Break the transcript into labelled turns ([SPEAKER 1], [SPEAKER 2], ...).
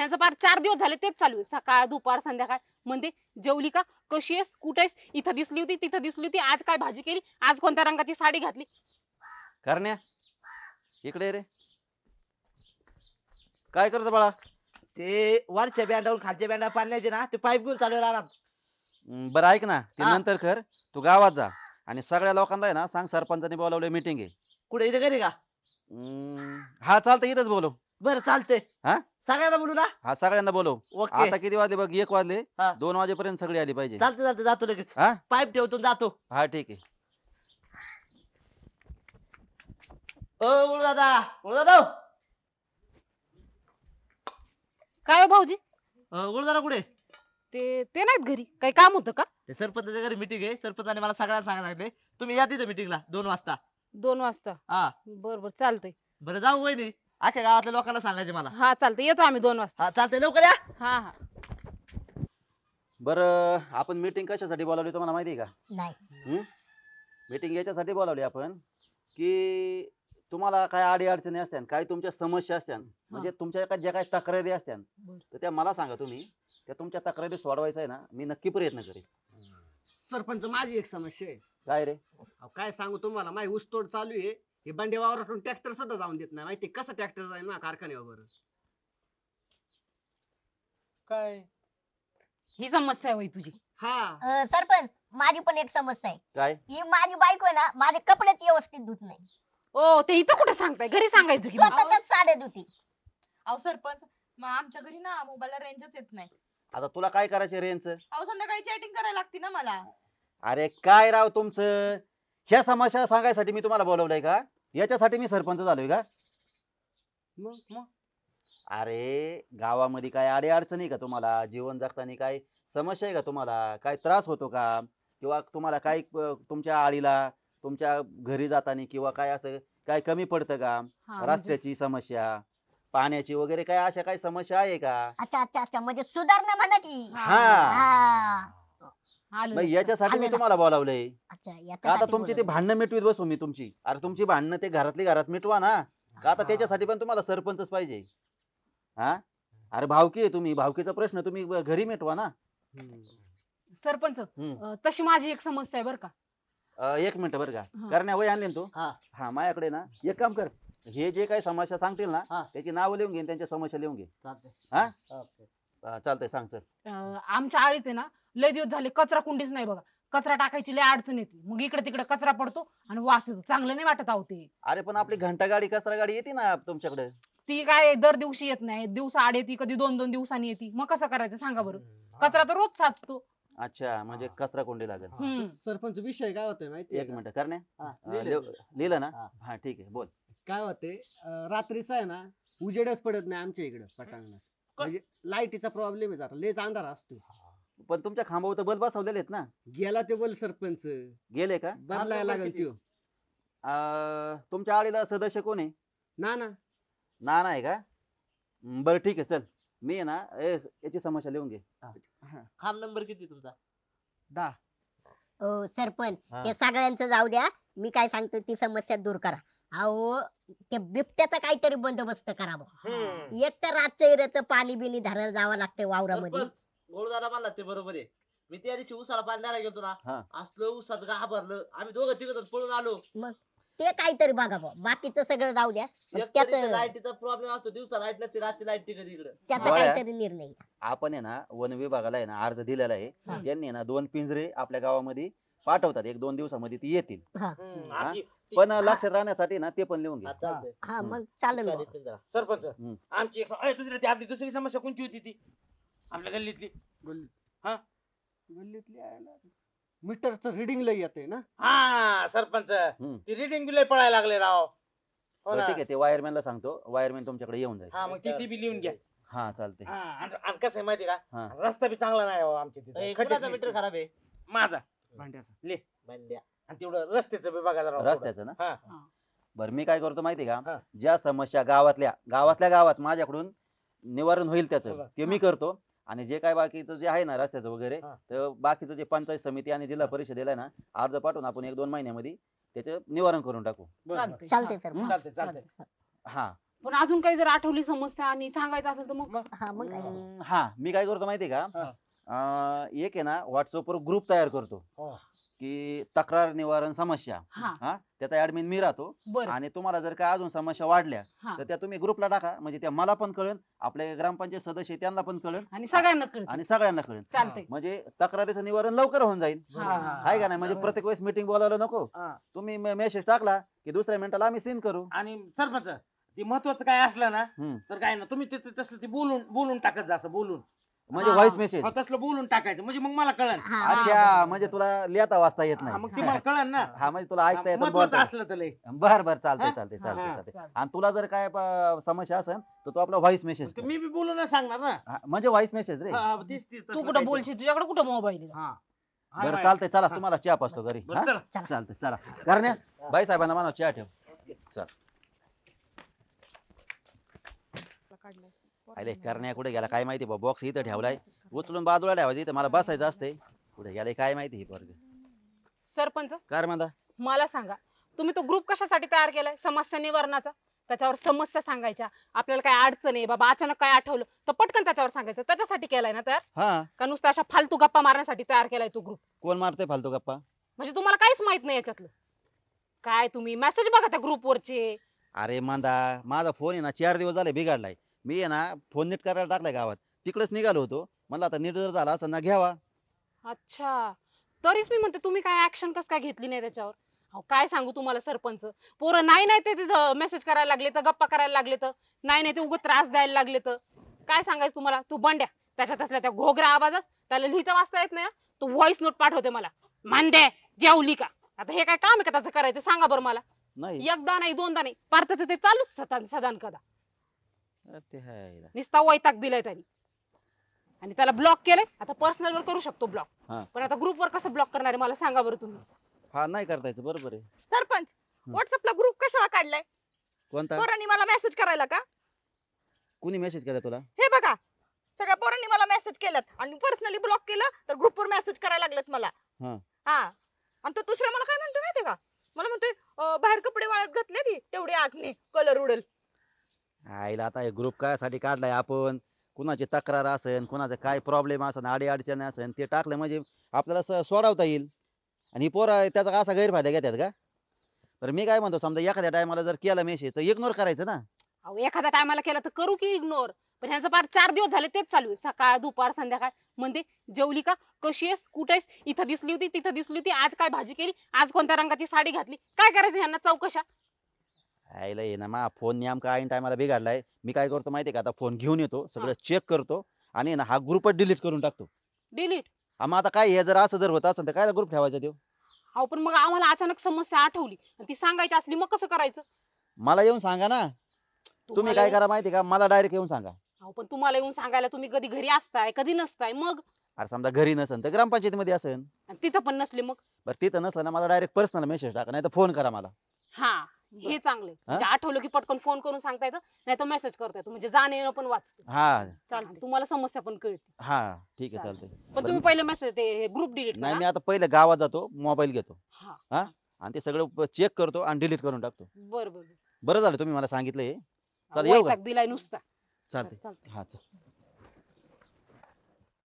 [SPEAKER 1] ह्यांचं पार 4 दिवस झाले तेच चालू आहे. सकाळ दुपार संध्याकाळ म्हणते जेवली का, कशी आहेस, कुठे आहेस, इथं दिसली होती तिथं दिसली होती, आज काय भाजी केली, आज कोणत्या रंगाची साडी घातली.
[SPEAKER 2] करण्या इकडे ये रे. काय करतो बाळा?
[SPEAKER 3] ते वरच्या बँडावरून खालच्या बँडा पाण्याचे ना ते पाईप घेऊन चालू राहणार.
[SPEAKER 2] बरं ऐक ना, ते
[SPEAKER 3] हा.
[SPEAKER 2] नंतर कर. तू गावात जा आणि सगळ्या लोकांना आहे ना सांग, सरपंचाने बोलावलंय मीटिंग आहे.
[SPEAKER 3] कुठे इथे घरी का?
[SPEAKER 2] हा चालतंय, इथंच बोलव.
[SPEAKER 3] बरं चालतंय.
[SPEAKER 2] हा
[SPEAKER 3] सगळ्यांना बोलू ना?
[SPEAKER 2] हा सगळ्यांना बोलव.
[SPEAKER 3] ओके.
[SPEAKER 2] आता किती वाजले बघ? 1 वाजले.
[SPEAKER 3] हा.
[SPEAKER 2] 2 वाजेपर्यंत सगळी आली पाहिजे.
[SPEAKER 3] चालतं चालतं जातो लगेच.
[SPEAKER 2] हा
[SPEAKER 3] पाईप ठेवतो आणि जातो.
[SPEAKER 2] हा ठीक आहे.
[SPEAKER 3] गुळू दादा, गुळू दादा.
[SPEAKER 1] काय हो भाऊजी?
[SPEAKER 3] गुळू दादा कुठे?
[SPEAKER 1] ते ते नाहीत घरी, काही काम होतं का?
[SPEAKER 3] ते सरपंचाच्या घरी मीटिंग आहे. सरपंचाने मला सगळ्यांना सांगायला सांगितले तुम्ही या तिथे मीटिंगला 2 वाजता.
[SPEAKER 1] 2 वाजता?
[SPEAKER 3] हा.
[SPEAKER 1] बर बर चालतंय.
[SPEAKER 3] बरं जाऊ वहिनी. अख्ख्या गावातल्या लोकांना सांगायचे मला.
[SPEAKER 1] हा चालतंय, येतो आम्ही 2 वाजता.
[SPEAKER 3] हा चालतंय, लवकर या.
[SPEAKER 1] हा हा.
[SPEAKER 2] बरं आपण मीटिंग कशासाठी बोलावली तुम्हाला माहिती आहे का?
[SPEAKER 4] नाही.
[SPEAKER 2] मीटिंग याच्यासाठी बोलावली आपण की तुम्हाला काय अडी अडचणी असत्या, काय तुमच्या समस्या असत्या, म्हणजे तुमच्या ज्या काही तक्रारी असत्या, तर त्या मला सांगा. तुम्ही त्या तुमच्या तक्रारी सोडवायचा आहे ना, मी नक्की प्रयत्न करेन.
[SPEAKER 5] सरपंच माझी एक समस्या आहे.
[SPEAKER 2] काय रे?
[SPEAKER 5] अहो, काय सांगू तुम्हाला, माझी ऊसतोड चालू आहे. हे बंडे वावरातून ट्रॅक्टर सुद्धा जाऊन देत नाही. माहिती कसं ट्रॅक्टर जाईल ना कारखान्यावर?
[SPEAKER 6] काय
[SPEAKER 1] ही समस्या आहे होय तुझी?
[SPEAKER 5] हा.
[SPEAKER 4] सरपंच माझी पण एक समस्या आहे.
[SPEAKER 2] काय?
[SPEAKER 4] ही माझी बायको आहे ना, माझे कपडेच व्यवस्थित धुत नाही.
[SPEAKER 1] ओ ते इथं कुठे सांगताय, घरी सांगायचं की मग.
[SPEAKER 4] स्वतःच साड्या धुती.
[SPEAKER 7] अहो सरपंच, मग आमच्या घरी ना मोबाईलला रेंजच येत नाही.
[SPEAKER 2] आता तुला काय करायचं रेंजच?
[SPEAKER 7] अहो संध्याकाळी चॅटिंग करायला लागते ना मला.
[SPEAKER 2] अरे काय राव तुमचं, ह्या समस्या सांगायसाठी मी तुम्हाला बोलवलंय का? याच्यासाठी मी सरपंच झालोय का?
[SPEAKER 5] मग
[SPEAKER 2] अरे गावामध्ये काय अडी अडचणी का तुम्हाला? जीवन जगताना काय समस्या आहे का तुम्हाला? काय त्रास होतो का? किंवा तुम्हाला काय तुमच्या आळीला, तुमच्या घरी जाताना किंवा काय असं काय कमी पडतं का?
[SPEAKER 1] हा, म्हणजे-
[SPEAKER 2] रस्त्याची समस्या, पाण्याची वगैरे काय अशा काही समस्या आहे का?
[SPEAKER 4] अच्छा अच्छा अच्छा, म्हणजे सुधारणा म्हणा की.
[SPEAKER 2] हा
[SPEAKER 4] हा.
[SPEAKER 1] आलं
[SPEAKER 2] मग
[SPEAKER 1] लक्षात.
[SPEAKER 2] याच्यासाठी मी
[SPEAKER 4] आलं
[SPEAKER 2] तुम्हाला बोलावलंय.
[SPEAKER 4] अच्छा
[SPEAKER 2] का आता
[SPEAKER 4] याच्यासाठी
[SPEAKER 2] तुमची ती
[SPEAKER 4] बोलवलं.
[SPEAKER 2] भांडणं मिटवीत बसू मी तुमची? अरे तुमची भांडणं ते घरातली घरात मिटवा ना. का आता त्याच्यासाठी पण तुम्हाला सरपंचच पाहिजे? हा अरे भावकी आहे तुम्ही, भावकीचा प्रश्न तुम्ही घरी मिटवा ना.
[SPEAKER 1] सरपंच तशी माझी एक समस्या आहे बर का.
[SPEAKER 2] 1 मिनिट बरं का.
[SPEAKER 1] हा.
[SPEAKER 2] करण्या वय आणले ना तू?
[SPEAKER 3] हा.
[SPEAKER 2] हा माझ्याकडे ना एक काम कर, हे जे काही समस्या सांगतील ना
[SPEAKER 3] हा.
[SPEAKER 2] त्याची नावं लिहून घे आणि त्यांच्या समस्या लिहून घे.
[SPEAKER 3] चालतंय.
[SPEAKER 2] हा
[SPEAKER 3] ओके.
[SPEAKER 2] चालतंय, सांग सर.
[SPEAKER 1] आमच्या आळीत आहे ना लय दिवस झाले कचरा कुंडीच नाही बघा. कचरा टाकायची लय अडचण येते, मग इकडे तिकडे कचरा पडतो आणि वास येतो, चांगलं नाही वाटत आहो ते.
[SPEAKER 2] अरे पण आपली घंटा गाडी, कचरा गाडी येते ना तुमच्याकडे.
[SPEAKER 1] ती काय दर दिवशी येत नाही, दिवसा आड येते, कधी 2-2 दिवसांनी येते, मग कसं करायचं सांगा बरं. कचरा तर रोज साचतो.
[SPEAKER 2] अच्छा, म्हणजे कचरा कोंडी लागेल.
[SPEAKER 1] हम्म.
[SPEAKER 5] सरपंच विषय काय होतोय माहिती
[SPEAKER 2] 1 मिनिट करण्या.
[SPEAKER 3] हा,
[SPEAKER 2] लिहिलं ना?
[SPEAKER 3] हा.
[SPEAKER 2] हा ठीक आहे, बोल.
[SPEAKER 5] काय होते, रात्रीचा आहे ना उजेडच पडत नाही आमच्या इकडं पटांगणात. म्हणजे लाईटीचा प्रॉब्लेम आहे, जरा लेच अंधार असतो.
[SPEAKER 2] पण तुमच्या खांबावर तर बल्ब बसवलेले आहेत ना?
[SPEAKER 5] गेला ते बोल सरपंच,
[SPEAKER 2] गेले का?
[SPEAKER 5] बदलायला लागल त्यो.
[SPEAKER 2] तुमच्या आळीला सदस्य कोण आहे?
[SPEAKER 5] ना
[SPEAKER 2] नाना आहे का? बरं ठीक आहे, चल मी आहे ना याची समस्या लिहून घे.
[SPEAKER 3] खांब नंबर किती तुमचा?
[SPEAKER 5] 10.
[SPEAKER 4] ओ सरपंच
[SPEAKER 2] हा.
[SPEAKER 4] हे सगळ्यांचं जाऊ द्या. मी काय सांगतो ती समस्या दूर करा. अहो त्या बिबट्याचा काहीतरी बंदोबस्त करावा. एक तर रातचं इऱ्याचं पाणी बिनी धरायला जावं लागतंय वावरामध्ये.
[SPEAKER 3] सरपंच, गोळदादा म्हणला ते बरोबर आहे. मी त्या दिवशी उसाला पाणी द्यायला गेलतो
[SPEAKER 2] हा.
[SPEAKER 3] ना, असलं उसात घाबरलं, आम्ही दोघं तिघं पळून आलो.
[SPEAKER 4] मग ते काहीतरी बघा बुवा. बाकीचं सगळं जाऊ द्या. पण
[SPEAKER 3] एक
[SPEAKER 4] त्याचं
[SPEAKER 3] लाईटीचा प्रॉब्लेम असतो, दिवसा लाईट नसते, रात्री लाईट टिकत इकडं.
[SPEAKER 4] त्याचा
[SPEAKER 2] गोळ्या.
[SPEAKER 4] काहीतरी निर्णय घ्या.
[SPEAKER 2] आपण आहे ना वन विभागाला आहे ना अर्ज दिलेला आहे.
[SPEAKER 4] हा.
[SPEAKER 2] त्यांनी आहे ना 2 पिंजरे आपल्या गावामध्ये पाठवतात, 1-2 दिवसामध्ये ती येतील.
[SPEAKER 4] हा
[SPEAKER 2] हा? पण लक्षात राहण्यासाठी ना ते पण लिहून घे.
[SPEAKER 3] हा, चालतंय.
[SPEAKER 4] हा मग चालेल बुवा.
[SPEAKER 3] चालेल जरा.
[SPEAKER 6] सरपंच
[SPEAKER 2] हम्म.
[SPEAKER 6] आमची दुसरी आपली दुसरी समस्या कोणची होती ती आपल्या गल्लीतली?
[SPEAKER 5] गल्लीतली यायला मीटरचं रिडिंग लय येते ना.
[SPEAKER 6] हा सरपंच,
[SPEAKER 2] हम्म.
[SPEAKER 6] ती रिडिंग बिल पळायला लागले राव. हो
[SPEAKER 2] बरं,
[SPEAKER 6] ना.
[SPEAKER 2] ठीक आहे, ते वायरमॅनला सांगतो, वायरमॅन तुमच्याकडे येऊन जाईल.
[SPEAKER 6] हा मग ती बी लिहून घ्या.
[SPEAKER 2] हा चालते.
[SPEAKER 6] हा, आणि कसं आहे माहिती
[SPEAKER 2] हा.
[SPEAKER 6] का, रस्ता बी चांगला नाही हो आमच्या तिथे.
[SPEAKER 3] ए,
[SPEAKER 6] खड्डेच
[SPEAKER 3] कुणाचा
[SPEAKER 6] दिसते.
[SPEAKER 3] मीटर खराब आहे?
[SPEAKER 6] माझा.
[SPEAKER 5] भांड्याचा.
[SPEAKER 3] भांड्या.
[SPEAKER 6] आणि तेवढं रस्त्याचं बी बघा जरा.
[SPEAKER 2] रस्त्याचं ना?
[SPEAKER 6] हा.
[SPEAKER 2] बरं मी काय करतो माहिती
[SPEAKER 6] हा.
[SPEAKER 2] का, ज्या समस्या गावातल्या गावात माझ्याकडून निवारण होईल त्याचं
[SPEAKER 6] बरं.
[SPEAKER 2] ते मी करतो. आणि जे काय बाकीचं जे आहे ना रस्त्याचं वगैरे,
[SPEAKER 6] हा.
[SPEAKER 2] तर बाकीचं जे पंचायत समिती आणि जिल्हा परिषदेला आहे ना अर्ज पाठवून आपण 1-2 महिन्यामध्ये त्याचं निवारण करून टाकू.
[SPEAKER 6] बरं, बरं.
[SPEAKER 1] चालतंय.
[SPEAKER 4] चालतंय सर.
[SPEAKER 6] चालतंय चालतंय.
[SPEAKER 2] हा
[SPEAKER 1] पण अजून काही जर आठवली समस्या आणि सांगायचं असेल तर मग
[SPEAKER 4] हा मग काय
[SPEAKER 2] हा मी काय करतो माहितीये का
[SPEAKER 6] हा.
[SPEAKER 2] एक आहे ना WhatsApp वर ग्रुप तयार करतो
[SPEAKER 6] हो.
[SPEAKER 2] की तक्रार निवारण समस्या
[SPEAKER 1] हा
[SPEAKER 2] हा त्याचा ऍडमिन मी राहतो
[SPEAKER 1] बरं
[SPEAKER 2] आणि तुम्हाला जर काय अजून समस्या वाढल्या
[SPEAKER 1] हा
[SPEAKER 2] तर त्या तुम्ही ग्रुपला टाका म्हणजे त्या मला पण कळेल आपले ग्रामपंचायत सदस्य आहेत त्यांना पण कळेल
[SPEAKER 1] आणि सगळ्यांना कळत
[SPEAKER 2] आणि सगळ्यांना कळेल
[SPEAKER 1] चालतंय
[SPEAKER 2] म्हणजे तक्रारीचं निवारण लवकर होऊन जाईल
[SPEAKER 1] हा.
[SPEAKER 2] आहे का नाही म्हणजे प्रत्येक वेळेस मीटिंग बोलावलं नको
[SPEAKER 6] हा.
[SPEAKER 2] तुम्ही मेसेज टाकला की दुसऱ्या मिनिटाला आम्ही सीन करू
[SPEAKER 6] आणि सरपंच ते महत्वाचं काय असलं ना
[SPEAKER 2] हम्म.
[SPEAKER 6] तर काय ना तुम्ही तसलं ते बोलून बोलून टाकत जा असं बोलून
[SPEAKER 2] म्हणजे
[SPEAKER 1] हा.
[SPEAKER 2] व्हॉइस मेसेज
[SPEAKER 6] तसलं बोलून टाकायचं म्हणजे मग मला कळन
[SPEAKER 4] हा
[SPEAKER 2] अच्छा म्हणजे तुला लिहिता वाचता येत
[SPEAKER 6] हा, मग ते
[SPEAKER 2] नाही
[SPEAKER 6] मला कळन ना
[SPEAKER 2] हा म्हणजे तुला ऐकता येतं
[SPEAKER 6] महत्वाचं
[SPEAKER 2] बोलता
[SPEAKER 6] असलं तर लय.
[SPEAKER 2] बर बर चालतंय
[SPEAKER 6] हा?
[SPEAKER 2] चालतंय
[SPEAKER 6] हा,
[SPEAKER 2] चालतंय
[SPEAKER 6] हा,
[SPEAKER 2] चालतंय
[SPEAKER 1] चालतंय.
[SPEAKER 2] आणि तुला जर काय समस्या असेल तर तू आपला व्हॉइस मेसेज
[SPEAKER 6] ते मी बी बोलूनच सांगणार ना
[SPEAKER 2] म्हणजे व्हॉइस मेसेज रे
[SPEAKER 6] हा, हा, तीच
[SPEAKER 1] तू
[SPEAKER 6] तसलं
[SPEAKER 1] कुठं
[SPEAKER 6] काहीतरी.
[SPEAKER 1] बोलशील तुझ्याकडे कुठं मोबाईल आहे
[SPEAKER 6] हा. हाय,
[SPEAKER 2] बरं
[SPEAKER 6] हाय.
[SPEAKER 2] चालतंय चला
[SPEAKER 6] हा.
[SPEAKER 2] तुम्हाला चहा पाचतो घरी
[SPEAKER 6] बरं,
[SPEAKER 2] हा?
[SPEAKER 6] चला.
[SPEAKER 2] चालतंय चला करण्या बाई साहेबांना म्हणा चहा ठेव चल अरे करण्या कुठे गेला काय माहिती बॉक्स इथं ठेवलाय उचलून बाजूला ठेवायचं इथं मला बसायचं असते कुठे गेलाय काय माहिती ही पोरग
[SPEAKER 1] सरपंच
[SPEAKER 2] काय म्हणता
[SPEAKER 1] मला सांगा तुम्ही तो ग्रुप कशासाठी तयार केलाय समस्या निवारणाचा त्याच्यावर समस्या सांगायच्या आपल्याला काय अडचण आहे बाबा अचानक काय आठवलं तर पटकन त्याच्यावर सांगायचं त्याच्यासाठी केलाय ना तयार
[SPEAKER 2] हा
[SPEAKER 1] का नुसतं अशा फालतू गप्पा मारण्यासाठी तयार केलाय तो ग्रुप
[SPEAKER 2] कोण मारते फालतू गप्पा
[SPEAKER 1] म्हणजे तुम्हाला काहीच माहित नाही याच्यातलं काय तुम्ही मेसेज बघा त्या ग्रुप वरचे
[SPEAKER 2] अरे मांदा माझा फोन आहे ना 4 दिवस झाले बिघडलाय मी आहे ना फोन नीट करायला टाकलाय गावात तिकडेच निघालो होतो म्हणलं आता नीट जर झाला असं ना घ्यावा
[SPEAKER 1] अच्छा तरीच मी म्हणते तुम्ही काय ऍक्शन कस काय घेतली नाही त्याच्यावर अहो काय सांगू तुम्हाला सरपंच पोरं नाही नाही ते मेसेज करायला लागले तर गप्पा करायला लागले तर नाही नाही ते उगाच त्रास द्यायला लागले तर काय सांगायचं तुम्हाला तू बंड्या त्याच्यात असल्या त्या घोगऱ्या आवाजात त्याला लिहिता वाचता येत नाही ना, तो व्हॉइस नोट पाठवते मला मांदे जेवली का आता हे काय काम आहे का त्याचं करायचं सांगा बरं मला
[SPEAKER 2] नाही
[SPEAKER 1] एकदा नाही दोनदा नाही पार्थचं ते चालूच सदान कदा
[SPEAKER 2] ते हाय
[SPEAKER 1] निस्ता वैताग दिलाय त्यांनी आणि त्याला ब्लॉक केलंय आता पर्सनल वर करू शकतो ब्लॉक
[SPEAKER 2] हा.
[SPEAKER 1] पण आता ग्रुप वर कसं ब्लॉक करणार आहे मला सांगा बरं तुम्ही
[SPEAKER 2] हा नाही करता यायचं बरोबर आहे
[SPEAKER 7] सरपंच व्हॉट्सअपला ग्रुप कशाला काढलाय
[SPEAKER 2] कोणता
[SPEAKER 7] पोरांनी मला मेसेज करायला का
[SPEAKER 2] कुणी मेसेज केला तुला
[SPEAKER 7] हे बघा सगळ्या पोरांनी मला मेसेज केलात आणि पर्सनली ब्लॉक केलं तर ग्रुपवर मेसेज करायला लागलेत मला
[SPEAKER 2] हा.
[SPEAKER 7] हा आणि तो दुसरा मला काय म्हणतो माहितीये का मला म्हणतोय बाहेर कपडे वाळत घातले ती तेवढी आतने कलर उडेल
[SPEAKER 2] आईला आता ग्रुप कायसाठी काढलाय आपण कुणाची तक्रार असेल कुणाचं काय प्रॉब्लेम असेल अडी अडचणी असेल ते टाकलं म्हणजे आपल्याला सोडवता येईल आणि ही पोरं त्याचा असा गैरफायदा घेतात का तर मी काय म्हणतो समजा एखाद्या टायमाला जर केला मेसेज तर इग्नोर करायचं ना
[SPEAKER 1] अहो एखाद्या टायमाला केला तर करू की इग्नोर पण ह्यांचं फार 4 दिवस झाले तेच चालू आहे सकाळ दुपार संध्याकाळ म्हणते जेवली का कशी आहेस कुठे आहेस इथं दिसली होती तिथं दिसली होती आज काय भाजी केली आज कोणत्या रंगाची साडी घातली काय करायचं ह्यांना चौकशा
[SPEAKER 2] आईला ये ना मा फोन नेमका ऐन टायमाला बिघडलाय मी काय करतो माहितीये का आता फोन घेऊन येतो सगळं चेक करतो आणि ना हा ग्रुपच डिलीट करून टाकतो
[SPEAKER 1] डिलीट
[SPEAKER 2] मग आता काय हे जर असं जर होत असेल तर काय ग्रुप ठेवायचा देऊ
[SPEAKER 1] अहो पण मग आम्हाला अचानक समस्या आठवली आणि ती सांगायची असली मग कसं करायचं
[SPEAKER 2] मला येऊन सांगा ना तुम्ही
[SPEAKER 1] तुम्हाला
[SPEAKER 2] काय करा माहितीये का मला डायरेक्ट येऊन सांगा
[SPEAKER 1] अहो पण तुम्हाला येऊन सांगायला तुम्ही कधी घरी असताय कधी नसताय मग
[SPEAKER 2] अरे समजा घरी नसेल तर ग्रामपंचायतीमध्ये असेल
[SPEAKER 1] आणि तिथं पण नसले मग
[SPEAKER 2] बरं तिथं नसलं ना मला डायरेक्ट पर्सनल मेसेज टाका नाही तर फोन करा मला
[SPEAKER 1] हा हे चांगले म्हणजे आठवलं की पटकन फोन करून सांगता येतं नाही तर मेसेज करता येतो म्हणजे जाणं येणं पण वाचतं
[SPEAKER 2] हा
[SPEAKER 1] चालतं तुम्हाला समस्या पण कळते
[SPEAKER 2] हा ठीक आहे चालतंय
[SPEAKER 1] पण तुम्ही पहिले मेसेज ते ग्रुप डिलीट
[SPEAKER 2] नाही मी
[SPEAKER 1] करा
[SPEAKER 2] आता पहिले गावात जातो मोबाईल घेतो
[SPEAKER 1] हा
[SPEAKER 2] हा आणि ते सगळं चेक करतो आणि डिलीट करून टाकतो
[SPEAKER 1] बरं बरं
[SPEAKER 2] बरं झालं तुम्ही मला सांगितलं हे चला येऊ का
[SPEAKER 1] वैताग दिलाय नुसता
[SPEAKER 2] चालतंय
[SPEAKER 1] चालतंय
[SPEAKER 2] हा चल